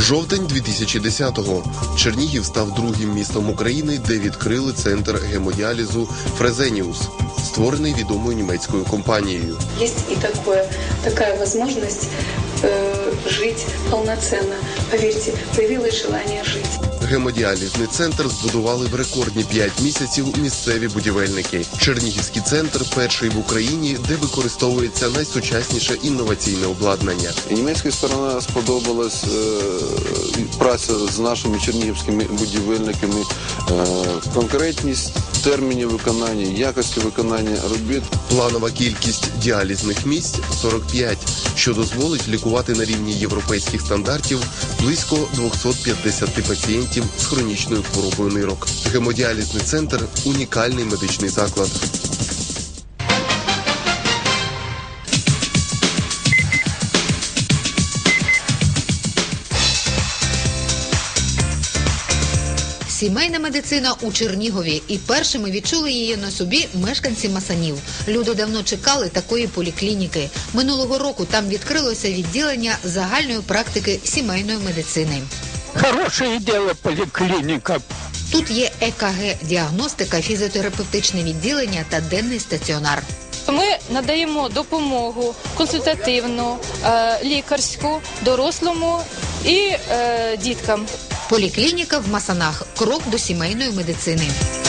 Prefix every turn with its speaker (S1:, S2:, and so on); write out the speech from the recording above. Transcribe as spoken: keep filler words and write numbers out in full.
S1: Жовтень дві тисячі десятого. Чернігів став другим містом України, де відкрили центр гемодіалізу «Фрезеніус», створений відомою німецькою компанією.
S2: Є і таке, така можливість е, жити повноцінно. Повірте, з'явилось бажання жити.
S1: Гемодіалізний центр збудували в рекордні п'ять місяців місцеві будівельники. Чернігівський центр – перший в Україні, де використовується найсучасніше інноваційне обладнання.
S3: Німецька сторона сподобалась е, праця з нашими чернігівськими будівельниками, е, конкретність термінів виконання, якості виконання робіт.
S1: Планова кількість діалізних місць – сорок п'ять, що дозволить лікувати на рівні європейських стандартів близько двісті п'ятдесят пацієнтів з хронічною хворобою нирок. Гемодіалізний центр – унікальний медичний заклад.
S4: Сімейна медицина у Чернігові, і першими відчули її на собі мешканці Масанів. Люди давно чекали такої поліклініки. Минулого року там відкрилося відділення загальної практики сімейної медицини.
S5: Хороше діло поліклініка.
S4: Тут є е ка ге, діагностика, фізіотерапевтичне відділення та денний стаціонар.
S6: Ми надаємо допомогу консультативну, лікарську, дорослому і діткам.
S4: Поліклініка в Масанах – крок до сімейної медицини.